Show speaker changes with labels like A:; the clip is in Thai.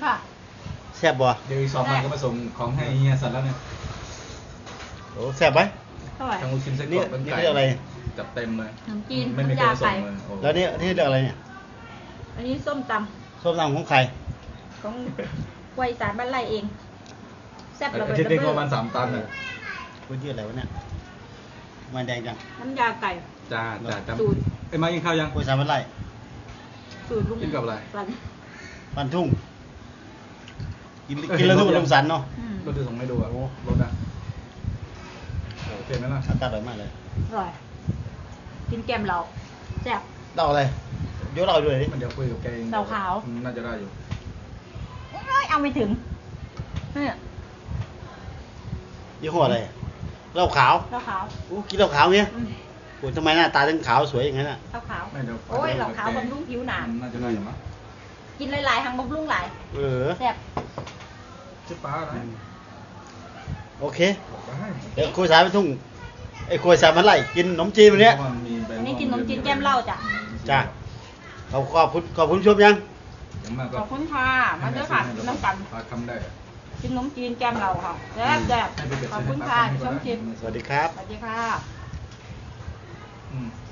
A: ค่ะ
B: แซ่บบ่
C: เดี๋ยวอีก2 วันก็มาส่งของให้เฮียสันแล้วเนี่ย
B: โอ้แซ่บไหม
A: เท่าไหร่
C: ทั้งลูกชิ้นไส้กร
B: นี่
C: อกเป็น
B: นี่
C: ไก่
B: เรียกอะไร
C: จัดเต็มเลย
A: ขนมจีน
C: ไม่มี
A: น้ำ
C: ใคร
A: ยา
C: มาส่
A: ไก่
C: งเลยโอ้
B: แล้วนี่เรียกอะไรเนี่ย
A: อันนี้ส้มต
B: ส้มตำของใคร
A: ำของไวยสารบ้านไร่เองแซ่บระเบิด
C: อาทิตย์
A: ระ
C: นึง
A: เบ้
C: ประมาณ
A: อ
C: 3 ตันอ่ะ
B: พื้นที่อะไรวะเนี่ยมันแดงจัง
A: น้ำยาไก่
C: จ้าจ้า
A: สูตร
C: ไอ้มากินข้าวยัง
B: กล้วยสามพันไร่
A: สูตรลุง
C: กินกับอะไร
A: สัน
B: ปันทุ่งกินแล้วทุ่งลมสันเนาะ
A: อืม
C: รถดูส่งไม่ดูอ่ะ
B: โอ้
C: รถอ่ะโอเคไหมล่ะ
B: อากาศอร่อยมากเลย
A: อร่อยกินแกมเราแซ่บ
B: เล่าอะไรยกเราด้วยดิ
C: มันเดี๋ยวคุยกับแกเอง
A: เหล้าขาว
C: น่าจะได้อยู่
A: เอ้ยเอาไม่ถึงเนี่ย
B: ยี่ห้ออะไรเหล้าขาว
A: เหล้าขาว
B: โอ้กินเหล้าขาวเงี้ย
A: อืม
B: โอ้ยทำไมหน้าตาถึงขาวสวยอย่างนั้นอ่ะ
A: เหล้าขาว
C: ไม่เดี๋ยว
A: โอ้ยเหล้าขาวบำรุงผิวหนา
C: น่าจะได้อยู่มั้ง
A: กินหลายๆทางบำรุงหลาย
B: เออ
A: แซ่บ
C: ชื่อป้าอะไร
B: โอเค
C: บอกได้
B: เดี๋ยวคุยสายไปทุ่งไอ้คุยสายพันไร่กินขนมจีนวันเนี้ย
C: เพราะว่ามีใบ
A: อันนี้กินขนมจีนแก้มเหล้าจ้ะ
B: จ้ะขอบคุณชมยัง
C: อย่างมากก็
A: ขอบคุณค่ะมาเด้อค่ะกินน้ำกัน
C: พาคำได้
A: กินขนมจีนแก้มเราค่ะแซ่บแซ่บขอบคุณค่ะชมชิม
B: สวัสดีครับ
A: สวัสดีค่ะ
C: อืม